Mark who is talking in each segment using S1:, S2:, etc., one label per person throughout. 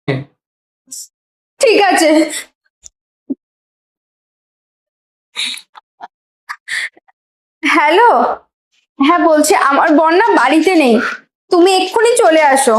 S1: ঠিক আছে। হ্যালো। হ্যাঁ, বলছি আমার বোন না বাড়িতে নেই, তুমি এক্ষুনি চলে আসো।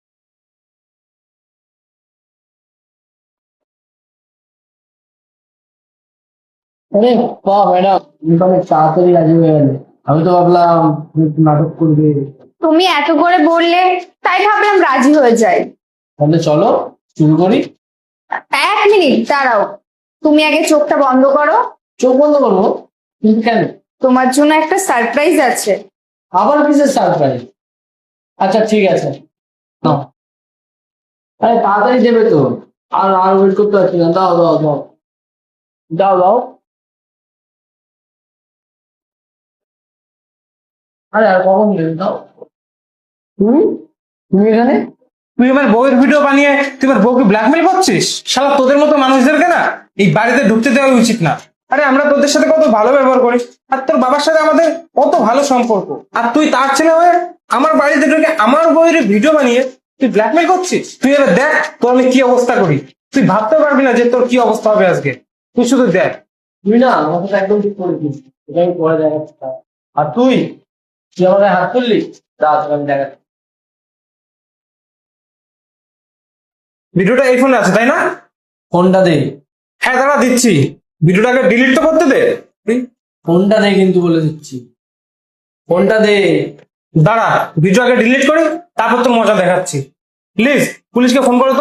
S2: আরে বাহ ম্যাডাম, তুমি তো অনেক তাড়াতাড়ি রাজি হয়ে গেলে। আমি তো ভাবলাম তুমি একটু নাটক করবে।
S1: তুমি এত করে বললে তাই ভাবলাম রাজি হয়ে যাই।
S2: তাহলে চলো শুরু করি।
S1: 1 মিনিট দাঁড়াও, তুমি আগে চোখটা বন্ধ করো।
S2: চোখ বন্ধ করবো? কিন্তু কেন?
S1: তোমার জন্য একটা সারপ্রাইজ আছে।
S2: আবার কিসের সারপ্রাইজ? আচ্ছা ঠিক আছে, নাও। আরে তাড়াতাড়ি দেবে তো, আর আর ওয়েট করতে পারছি না। দাও দাও দাও দাও দাও। আরে আর কখন দেবে, দাও। তুমি তুমি এখানে?
S3: তুই আমার বউয়ের ভিডিও বানিয়ে তুই আমার বউকে ব্ল্যাকমেল করছিস? শালা তোদের মতো মানুষদেরকে না এই বাড়িতে ঢুকতে দেওয়া উচিত না। আরে আমরা তোদের সাথে কত ভালো ব্যবহার করি, আর তোর বাবার সাথে আমাদের কত ভালো সম্পর্ক, আর তুই তার ছেলে হয়ে আমার বাড়িতে ঢুকে আমার বউয়ের ভিডিও বানিয়ে তুই ব্ল্যাকমেল করছিস। তুই এবার দেখ তোর আমি কি অবস্থা করি, তুই ভাবতে পারবি না যে তোর কি অবস্থা হবে আজকে। তুই শুধু দেখ।
S2: তুমি না আমার সাথে একদম ঠিক করেছিস, এটা আমি পরে দেখাচ্ছি। আর তুই তুই আমার গায়ে হাত তুললি, দাও তোকে আমি দেখাচ্ছি।
S3: ভিডিওটা এই ফোনে আছে তাই না?
S2: ফোনটা দে।
S3: হ্যাঁ দাঁড়া দিচ্ছি, ভিডিওটাকে ডিলিট তো করতে দে।
S2: ফোনটা দে কিন্তু বলে দিচ্ছি, ফোনটা দে।
S3: দাঁড়া, ভিডিও আগে ডিলিট করি, তারপর তোর মজা দেখাচ্ছি। প্লিজ পুলিশকে ফোন করো তো।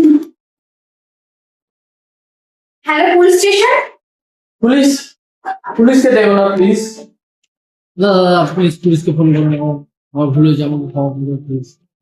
S1: Hello, police station.
S2: পুলিশ? পুলিশকে দেবো না প্লিজ। না না না, পুলিশকে ফোন করবো না। আমার ভুল হয়েছে, আমাকে ক্ষমা করে দাও প্লিজ।